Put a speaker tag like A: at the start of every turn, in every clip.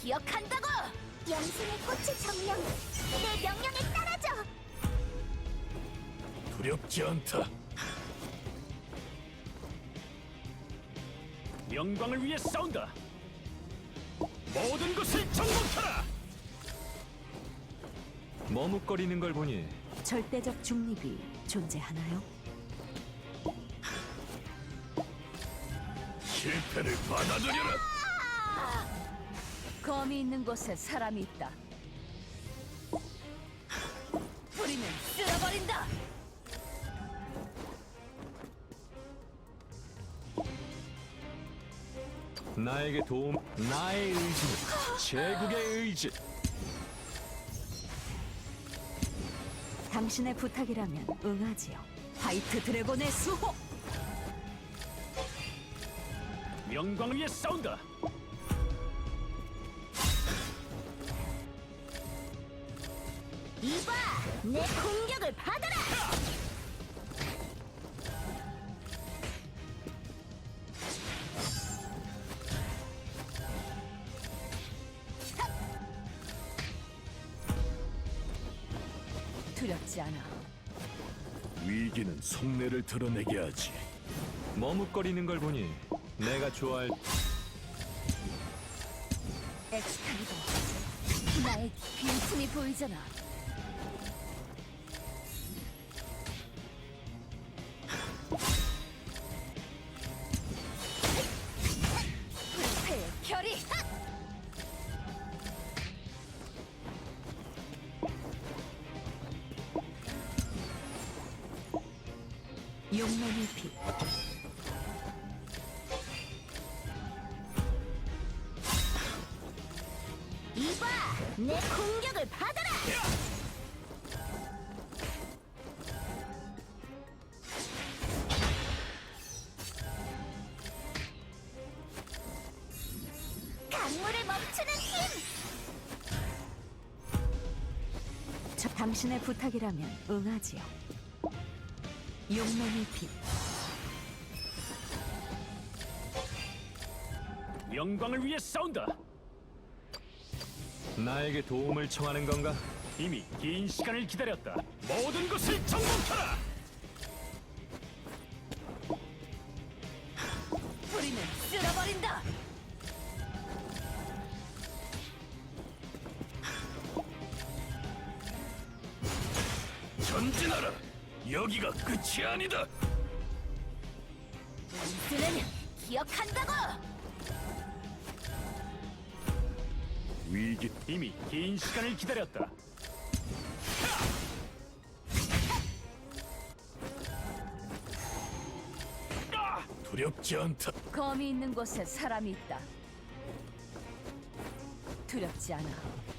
A: 기억한다고!
B: 영생의 꽃의 정령, 내 명령에 따라줘!
C: 두렵지 않다.
D: 영광을 위해 싸운다. 모든 것을 정복하라.
E: 머뭇거리는 걸 보니
A: 절대적 중립이 존재하나요?
C: 실패를 받아들여라.
A: 검이 있는 곳에 사람이 있다. 뿌리는 쓸어버린다!
E: 나에게 도움, 나의 의지는 제국의 의지.
A: 당신의 부탁이라면 응하지요. 화이트 드래곤의 수호!
D: 영광을 위해 싸운다.
B: 이봐! 내 공격을 받아라!
A: 두렵지 않아.
C: 위기는 속내를 드러내게 하지.
E: 머뭇거리는 걸 보니 내가 좋아할
A: 엑스칼리버, 나의 빈틈이 보이잖아. 불패의 결의! 용맹의 피.
B: 이봐! 내 공격을 받아라! 강물을 멈추는 힘!
A: 당신의 부탁이라면 응하지요. 용맹의 피.
D: 영광을 위해 싸운다.
E: 나에게 도움을 청하는 건가?
D: 이미 긴 시간을 기다렸다. 모든 것을 정복하라.
A: 뿌리는 쓸어버린다!
C: 전진하라. 여기가 끝이 아니다.
B: 쓰는 기억한다고!
C: 위기
D: 이미 긴 시간을 기다렸다.
C: 두렵지 않다.
A: 검이 있는 곳에 사람이 있다. 두렵지 않아.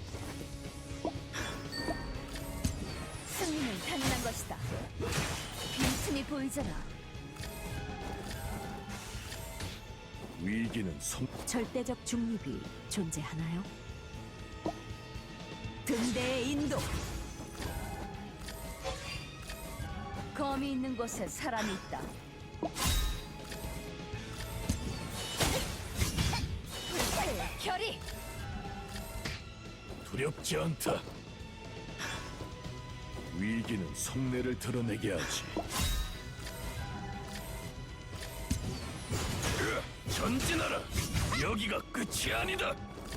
A: 승리는 당연한 것이다. 빈틈이 보이잖아.
C: 위기는 속
A: 절대적 중립이 존재하나요? 등대의 인도. 검이 있는 곳에 사람이 있다. 불사의 결의!
C: 두렵지 않다. 위기는 속내를 드러내게 하지. 전진하라. 여기가 끝이 아니다.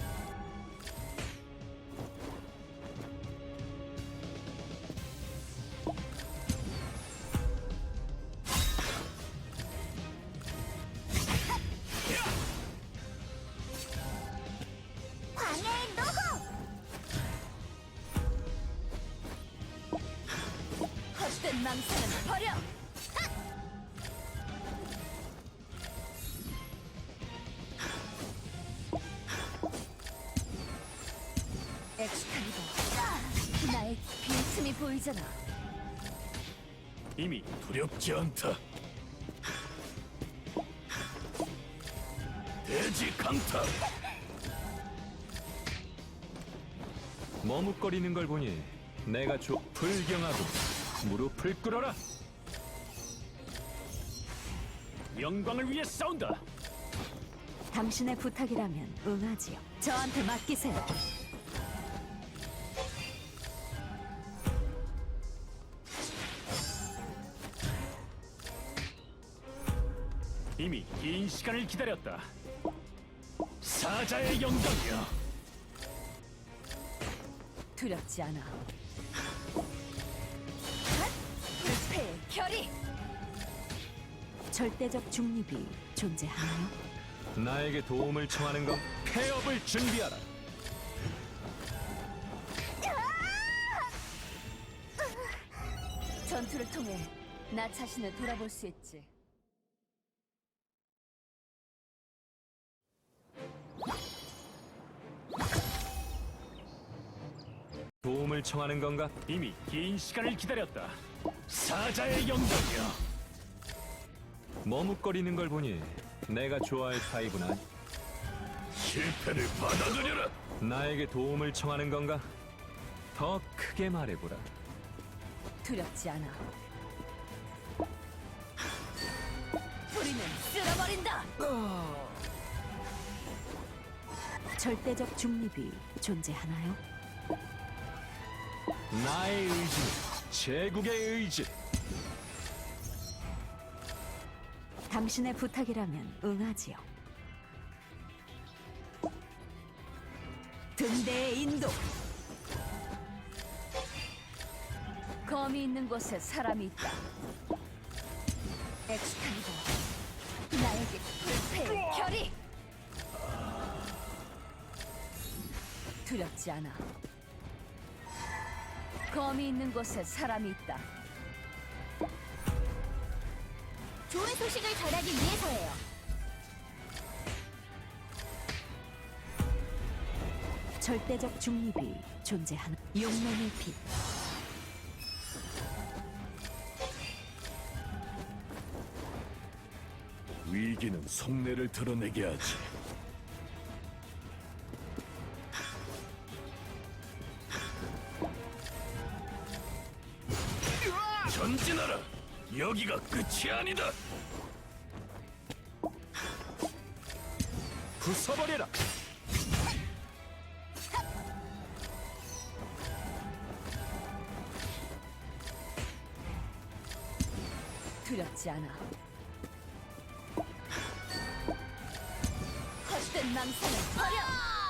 B: 광야의 노호!
A: 헛된 망상은 버려! 엑스칼리버, 나의 빈틈이 보이잖아.
D: 이미
C: 두렵지 않다. 대지 강타.
E: 머뭇거리는 걸 보니 내가 불경하고 무릎을 꿇어라.
D: 영광을 위해 싸운다.
A: 당신의 부탁이라면 응하지요. 저한테 맡기세요.
D: 이미 긴 시간을 기다렸다.
C: 사자의 영광이여.
A: 두렵지 않아. 불패의 결의. 절대적 중립이 존재하나요?
E: 나에게 도움을 청하는 건 폐업을 준비하라.
A: 전투를 통해 나 자신을 돌아볼 수 있지.
E: 도움을 청하는 건가?
D: 이미 긴 시간을 기다렸다.
C: 사자의 영광이여.
E: 머뭇거리는 걸 보니 내가 좋아할 타입은
C: 실패를 받아들여라.
E: 나에게 도움을 청하는 건가? 더 크게 말해보라.
A: 두렵지 않아. 뿌리는 쓸어버린다. 절대적 중립이 존재하나요?
E: 나의 의지는 제국의 의지.
A: 당신의 부탁이라면 응하지요. 등대의 인도. 검이 있는 곳에 사람이 있다. 엑스칼리버, 나에게 불패의 결의. 두렵지 않아. 검이 있는 곳에 사람이 있다.
B: 좋은 소식을 전하기 위해서예요.
A: 절대적 중립이 존재하는 용맹의 빛.
C: 위기는 속내를 드러내게 하지. 전진하라. 여기가 끝이 아니다.
E: 부숴버려라.
A: 두렵지 않아. 헛된 망상을 버려.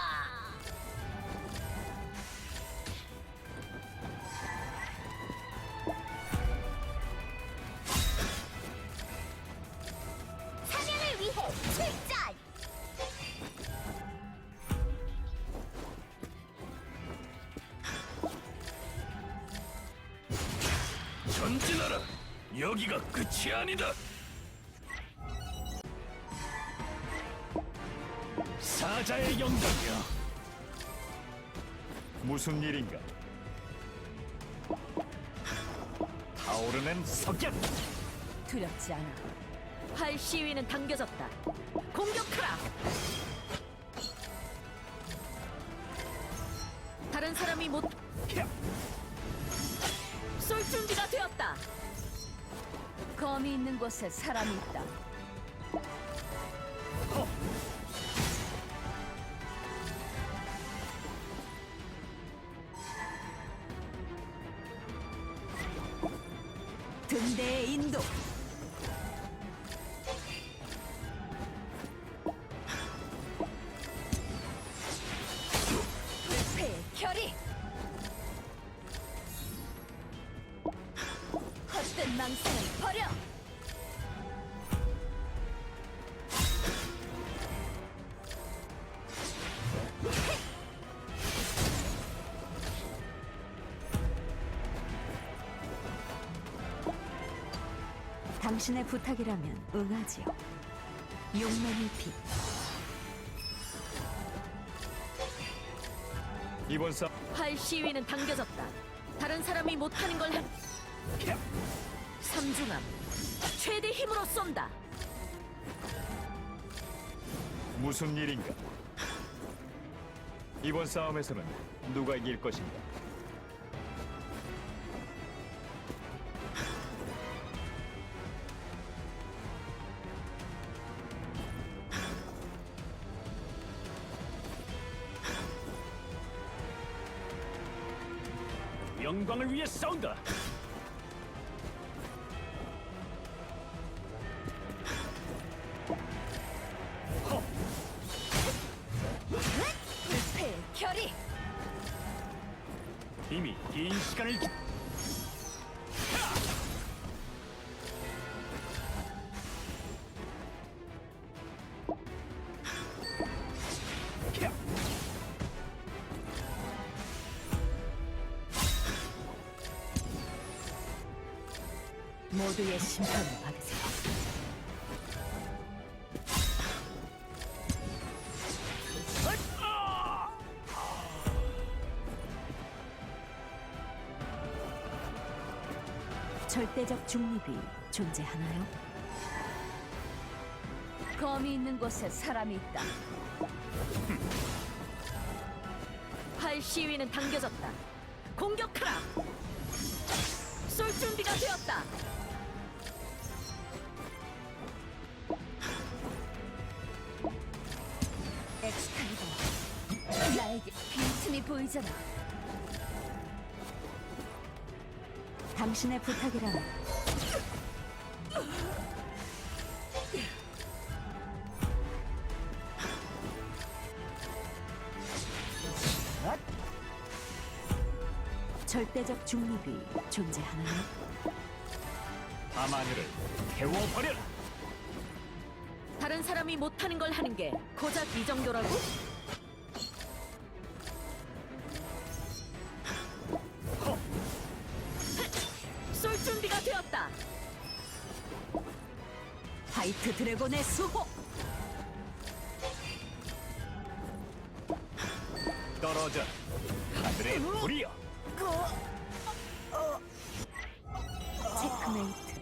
B: 사냥을 위해 출전!
C: 전진하라. 여기가 끝이 아니다. 사자의 영광이여.
D: 무슨 일인가? 타오르는 석양.
A: 두렵지 않아. 활 시위는 당겨졌다. 공격하라. 다른 사람이 못 쏠 준비가 되었다. 검이 있는 곳에 사람이 있다. 등대의 인도. 불패의 결의. 헛된 망상을 버려. 당신의 부탁이라면 응하지요. 용맹의 빛.
D: 이번 싸
A: 활 시위는 당겨졌다. 다른 사람이 못하는 걸 한. 삼중함. 최대 힘으로 쏜다.
D: 무슨 일인가? 이번 싸움에서는 누가 이길 것인가? 영광을 위해 싸운다.
A: 불패 결의.
D: 이미 긴 시간을
A: 모두의 심판을 받으세요. 절대적 중립이 존재하나요? 검이 있는 곳에 사람이 있다. 활 시위는 당겨졌다. 공격하라. 쏠 준비가 되었다. 엑스칼리버, 나에게 빈틈이 보이잖아. 당신의 부탁이란 절대적 중립이 존재하나요?
D: 밤하늘을 태워버려라.
A: 다른 사람이 못하는 걸 하는 게 고작 이 정도라고? 쏠 준비가 되었다. 화이트 드래곤의 수호.
D: 떨어져. 하늘의 불이여.
A: 체크메이트.